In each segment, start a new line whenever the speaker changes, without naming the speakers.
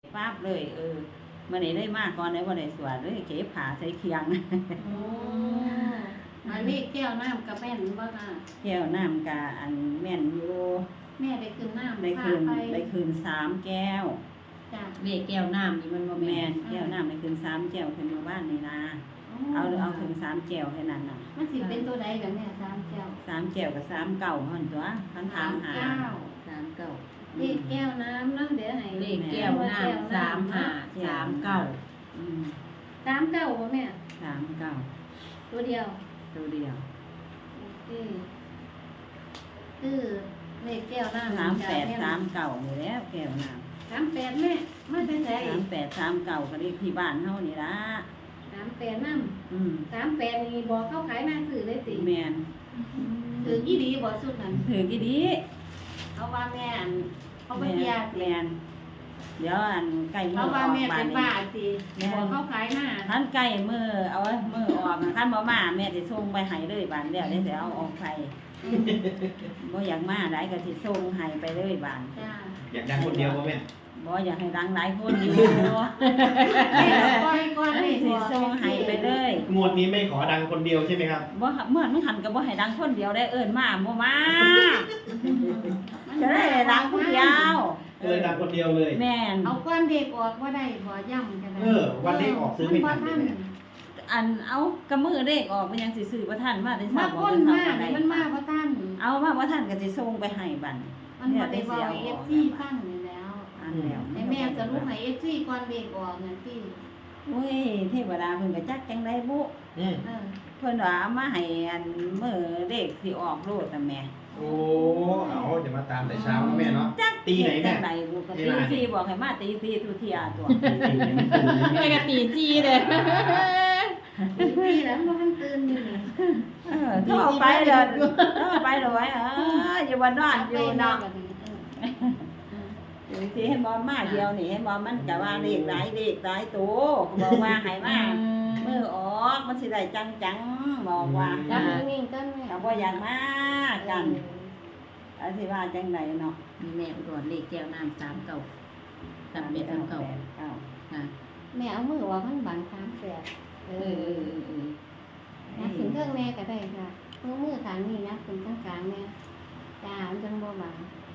ปั๊บเลยมื้อนี้ได้มาก่อนได้บ่ได้สวดเลยเก็บผ้าใส่เคียง
โอ้อันนี้แก้วน้ำกับแม่นบ่ค่ะ
แก้วน้ำกะอันแม่นอยู่
แม่ได้คืนน้ำ
ได้คืน
พาไป
ได้คืน3แก้ว
จ้ะ
เลขแก้วน้ำนี่มันบ่
แม่
แม่
น
น
แก้วน้ำได้คืน3แก้วขึ้นมาบ้านนี่นะเอาคืน3แก้วแค่นั้นน่ะ
มันสิเป็นตัวใดกับแม่สามแก้ว
3แก้วกับ3เก่าหั่นตัวคันถามหา
39
เลขแก้วน้ำเนาะเดี๋ยวให้
เลขแก้วน้ำ3539
อืม
สามเก้าบ่แม่
3เก่า
ตัวเดียว
ตัวเดียว
โอเคคือเลขแก้วน้ำ
38 3เก่านี่แหล้วแก้วน้ำ
38แม่มาแต่ไส
38 3เก่าก็เลขที่บ้านเฮานี่ล่ะ
38น้ำ
อืม
38นี่บอกเขาขายหน้าสื่อเลยสิ
แม่น
ถือกี่ดีบ่สุดนั้น
ถือกี่ดี
เขาว่าแม่อันเขาบ่เสียสิ
แม่นเดี๋ยวอันใกล้มื้
เขา
ออ
ว่า
อก
แม่
บ้า
เป็น น
นี้
บ้าสิบอกเขาขายหน้า
ท่านใกล้มือเอาไว้มือออกนะท่านบ่มาแม่สิส่งไปให้เลยบานเดี๋ยวได้สิเอาออกไปบ่อยากมาได้ก็สิส่งให้ไปเลยบาน
จ้า
อยากดังคนเดียวป่ะแม่
บ่อยากให้ดังหลายคนอยู่
แม่ก้อยก้อยให้
สิ
บอก
ส่งให้ไปเลย
งวดนี้ไม่ขอดังคนเดียวใช่ไหมครับ
บ่เมื่อมันหันก็บ่ให้ดังคนเดียวได้เอิ้นมาบ่มาจะได้ดังคนเดียว
ก็เลยดังคนเดียวเลย
แม่น
เอาก้อนเด็กออกว่าได้บ่ย่ำกันได้
วันเลขออกซื้อไม่ทันเลยแม่
อันเอากระมือเลขออกมันยังสิซื้อบ่ทันมาได้
มา
ซับบ่
ก้น
ได้
มา
ซับบ่ได้
มันมาบ่ทัน
เอามาบ่ทันก็สิส่งไปให้บัด
มันบ่ได้บอกให้ FC ฟังนี่แล้ว
อันแล้ว
ให้แม่สรุปให้ FC ก่อนเด็กออกนั่นสิ
โอ้ยเทวดาเพิ่นก็จักจังได๋บุ
อืม
เออ
เพิ่นว่าเอามาให้อันมื้อเลขสิออกโลดน่ะแม่
โอ้เอาจะมาตามแต่เช้านะแม่เนาะ
จัก
ตีไหนแม่
จังไดบุก็ตีสี่บอกให้มาตีสี่ทุเที่ยตัว
ไปกะตีจีเลย
พี่แล้วบ่ทันตื่นอยู่นี่
โทรไปเด้อโทรไปเด้อไว้อยู่บ่นอนอยู่เนาะอยู่สิเห็นบ่มาเดียวนี่เห็นบ่มันก็ว่าเลขหลายตัวบอกว่าให้มามื้อออกมันสิได้จังๆบอกว่า
จับนิ่งๆกันแม่
ก็บ่อยากมากันอันสิว่าจังไดเนาะ
มีแม่อุดรเลขแก้วน้ำ39 3139ค่ะ
แม่เอามือว่ามันบัง38นับถึงเครื่องแม่ก็ได้ค่ะมือข้างนี้นับถึงข้างกลางแม่จ้ามันจังบ่บัง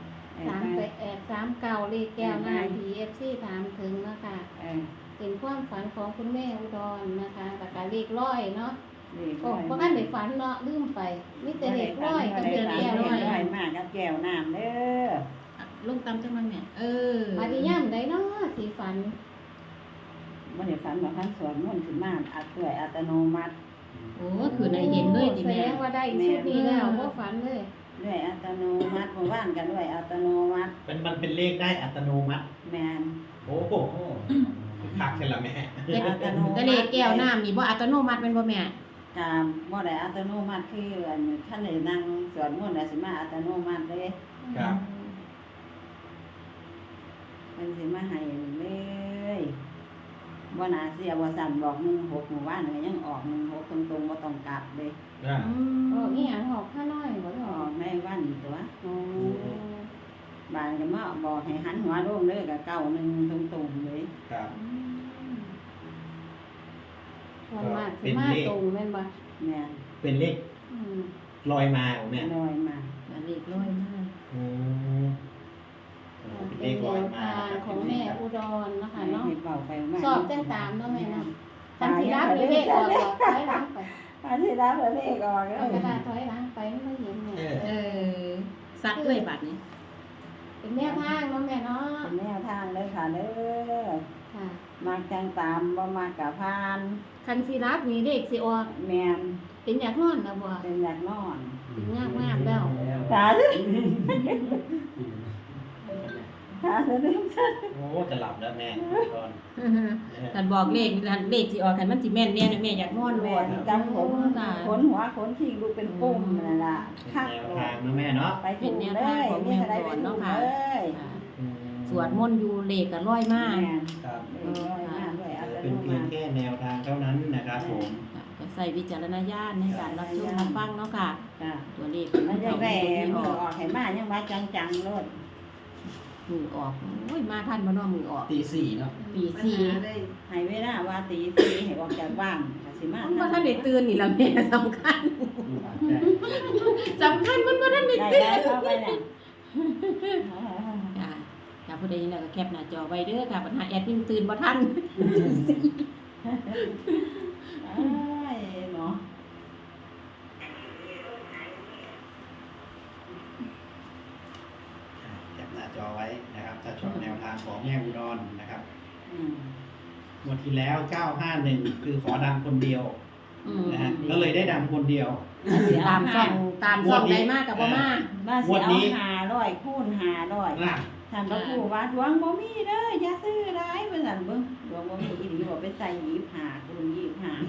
38 39เลขแก้วหน้า TFC ถามถึงเนาะค่ะ เป็นความฝันของคุณแม่อุดรนะคะแต่การเลขร้อยเนาะเพราะกันได้ฝันเนาะลืมไปมีแต่เลขร้อยกับเลขแก้วร้อย
มากกับแก้วน้ำเด้อ
ลงตามจังมันแม่
ปฏิย่ำได้เนาะสีฝัน
บ่ได้ฝันว่าคันสวนมนต์ขึ้นมาด้วยอัตโนมัติ
โอ้คือในเห็นเลยดิ
แส
แม่
ดงว่าได้ชุดนี้แล้วว่าฝันเลย
ด้วยอัตโนมัติเมื่อวานก็ด้วยอัตโนมัติ
มันเป็นเลขได้อัตโนมัติ
แม่น
โอ้โหคักใช่ละแม่
แต่เลขแก้วน้ำนี่บ่อัตโนมัติเป็นบ่แม่
ก็บ่ได้อัตโนมัติคืออันท่านได้นั่งสวดมนต์แล้วสิมาอัตโนมัติเด้
ครับ
มันสิมาให้เลยบ่น่าเสียบ่สั่นบอก16หมู่บ้านก็ยังออก16ตรงๆบ่ต้องกลับเด้
โอ้นี่หยังหอกข้าน้อยบ่ได้
อ
อ
อ
อก
กในวันตัว
อ๋อ
บ้านก็มาบอกให้หันหัวลงเด้อก็เก้าหนึงตรงๆเลย
ครับ
ส่วนมากสิมาตรงแม่นบ่
แม่น
เป็นเลขลอยมาของแม่
ลอยมา
เลขร้อยมาก
อืมเป็นเล
เป็น
ข
แน
ลอยว มา
ทางของแม่อุดรนะคะเนาะ
ให้เป่าไปมา
สอบจังตามเนาะแม่เนาะคันสิรับมีเลขออกก็ถอยหลังไป
อันที่รับแล้วเลขออก
เอากระดาษถอยหลังไปไม่เห็นเนี่ย
ซักเลยบัดนี้
เป็นแนวทางเนาะแม่เนาะ
เป็นแนวทางเลยค่ะเด้อ
ค่ะ
มักจังตามบ่มักกะพาน
คันสิรับมีเลขสิออก
แม่น
เป็นอยากนอนนะบ่
เป็นอยากนอน
เป็นยากมากแล้ว
ตาสิตาสิ
โอ้จะหลับแล้วแม่ก่อน
ท่านบอกเลขสิออกคันมันสิแม่นแน่นะแม่อยากนอน
แม่
บ่
นจำผมขนหัวขนขี้ดูเป็นปุ่มนั่นล่ะคัก
แนวทางนะแม่เนาะ
ไปถูกเลยมีอะไรไปถูกเลย
สวดมนต์อยู่เลขก็ร้อยมาก
แม่น
ครับ
ร้อยมากด้วยอัต
เป็น
โน
เพีย
มั
ง
ติ
แค่แนวทางเท่านั้นนะครับผม
ก็ใส่วิจารณญาณในการรับชมรับฟังเนาะค่ะ
จ้ะ
ตัวเลข
มันยัง
เก่า
แหว
ที่
มื
อ
อ
อก
ออกให้มายังว่าจังๆโลด
มือออกโอ้ยมาทันบ่เนาะมือออก
ตีสี่เนาะ
ปี
ปัญ
สี่
หาเลย
ให้เวลาว่าตีสี่ให้ออกจากบ้านก็สิมา
มันบ่ทันได้ตื่นนี่ล่ะแม่สำคัญ
ใช่
สำคัญมันบ่ทันได้
ได้
ตื่น
ได้เข้าไปน่ะ
จ้าจ้าผู้ใดยินแล้วก็แคปหน้าจอไว้เด้อค่ะปัญหาแอดยิ่งตื่นบ่ทัน
เอ้ยเนาะ
จับหน้าจอไว้นะครับถ้าชอบแนวทางของแม่อุดรนะครับ
อืม
งวดที่แล้ว 951 คือขอดังคนเดียว
อืม
นะฮะก็เลยได้ดังคนเดียว
ตามช่องใดมากกับบ่มา
มาสิเอา500คูณ500
น่ะ
ท่านพระครูว่าดวงบ่มีเด้ออย่าซื้อหลายเพิ่นสั่นเบิ่งดวงบ่มีอีหลีบ่ไปใส่25คูณ25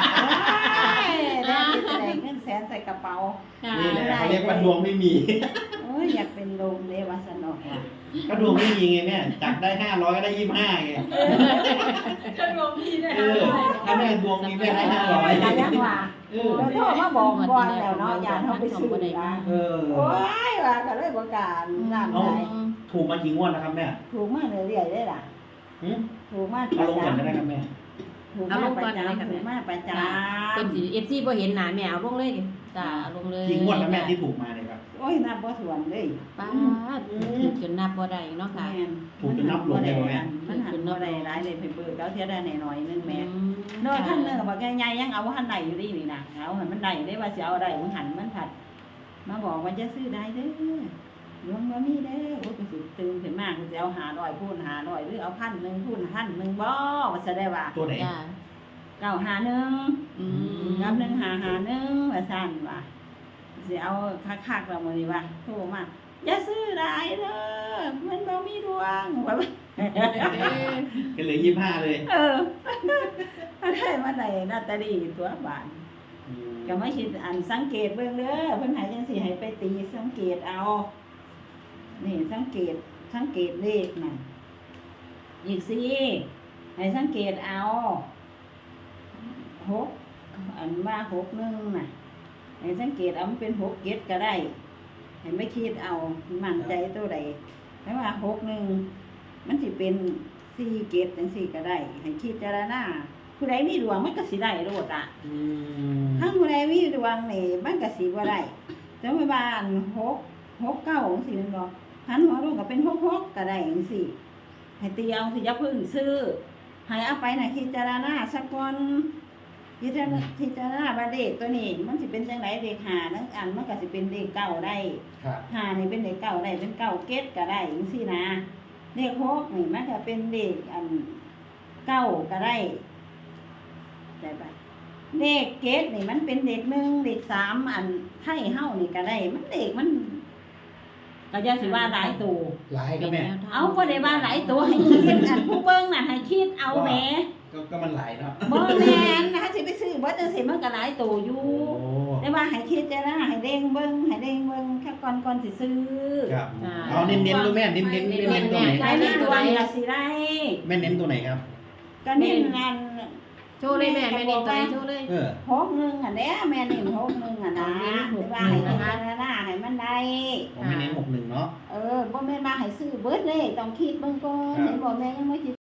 ได้ที่แสดงเงินแสนใส่กระเป๋า
ค่ะ
นี่แหละเขาเรียกว่าดวงไม่มี
โอ้ยอยากเป็นลมเลยว่าสนอกว่ะ
ก็ดวงไม่มีไงแม่จับได้500ก็ได้25ไง
ถ้าดวงพี่ได้
เออถ้าแม่ดวงมีแม่ได้
ก็ยังว่า
500เออ
แล้วโทรมาบอกก่อนแล้วเนาะอย่าเฮาไปซื้อนะ
เออ
โอ้ยว่าก็เลยบ่กล้านั่น
เอา
ได้
ถูกมากี่งวดแล้วครับแม่
ถูกมาเรื่อยๆได้ล่ะ
หึ
ถูกมาป
เอา
ระ
ลงก่อนก็ได้
จำ
ครับแม่
ถูกมาประจำถูกมาประจ
เป็นสิ FC บ่เห็นหน้าแม่เอาลงเลยจ้าเอาลงเลย
กี่งวดแล้วแม่ที่ถูกมาเนี่ยครับ
ำโอ้ยนับบ่ถ้วนเลย
ป้าดถูกจนนับบ่ได้เนาะค่ะ
แม่น
ถูกจนนับหลงเลยแม่
มันหันบ่ได้หลายเลยไปเบิกแล้วเที่ยได้หน่อยๆนึงแม่
อืม
น้อยท่านเนึงก็บอกใหญ่ๆยังเอาหันได้อยู่นี่นะเอาให้มันได้ได้ว่าสิเอาได้มันหันมันผัด มาบอกว่าจะซื้อได้เด้อหลวงบ่มีเด้อโอ้ยก็สิตื่นขึ้นมาก็สิเอา500คูณ500หรือเอา1,000คูณ1,000บ่ว่าสิได้ว่า
ตัวไหน
จ้า
951
อืม
กับ1551ว่าซั่นว่าสิเอาคักๆแล้วมื้อนี้ว่าโทรมาอย่าซื้อหลายเด้อมันบ่มีดวงว่า
ก็เหลือ25เลย
เออได้มาได้ลอตเตอรี่ตัวบาท ก็ไม่คิดอันสังเกตเบิ่งเด้อเพิ่นให้จังซี่ให้ไปตีสังเกตเอา นี่สังเกตเลขนั่นอีกสิให้สังเกตเอา6อันว่า61น่ะให้สังเกตเอามันเป็น6 7ก็ได้ให้ไม่คิดเอามั่นใจตัวใดแต่ว่า61มันสิเป็น4 7จังซี่ก็ได้ ให้คิดเจารณาผู้ใดมีดวงมันก็สิได้โลดอ่ะ ถ้าผู้ใดมีดวงนี่มันก็สิบ่ได้แต่ว่าบ้าน6 9จังซี่แม่นบ่หันหัวลงก็เป็น6 6ก็ได้จังซี่ให้ตีเอาสิอย่าเพิ่งซื้อให้เอาไปน่ะพิจารณาสักก่อนพิจารณาว่าเลขตัวนี้มันสิเป็นจังไดเลข5นั่นอันมันก็สิเป็นเลข9ได้
ครับ
5นี่เป็นเลข9ได้เป็น9เกตก็ได้จังซี่นะเลข6นี่มันก็เป็นเลขอัน9ก็ได้ได้ปะ เด็กเกตนี่มันเป็นเด็ก1เด็ก3อันไทยเฮานี่ก็ได้ มันเด็กมันก็จะสิว่าหลายตัว
หลายก็แม่
เอาบ่ได้ว่าหลายตัวให้คิดอันผู้เบิ่งน่ะให้คิดเอาแหม
ก็มันหลายเนาะ
บ่แม่นนะสิไปซื้อบ่จังซี่มันก็หลายตัวอยู่
โอ้
แต่ว่าให้คิดจะนะให้เด้งเบิ่งแค่ก่อนสิซื้อ
ครับ เอาเน้นๆดูแม่เน้นๆตัวไหน
ใครมีดวงก็สิได้
แม่เน้นตัวไหนครับ
ก็เน้นอัน
โชว์เลยแม่เน้นตัวไหนโชว์เลย
เออ
61อันเด้แม่เน้น61อ่ะนะแต่ว่าให้พิจารณาให้มันได้
ผมไม่เน้น61เนาะ
บ่แม่นมาให้ซื้อเบิดเลยต้องคิดเบิ่งก่อน
ครับ
เห็นบ่แม่ยังไม่สิ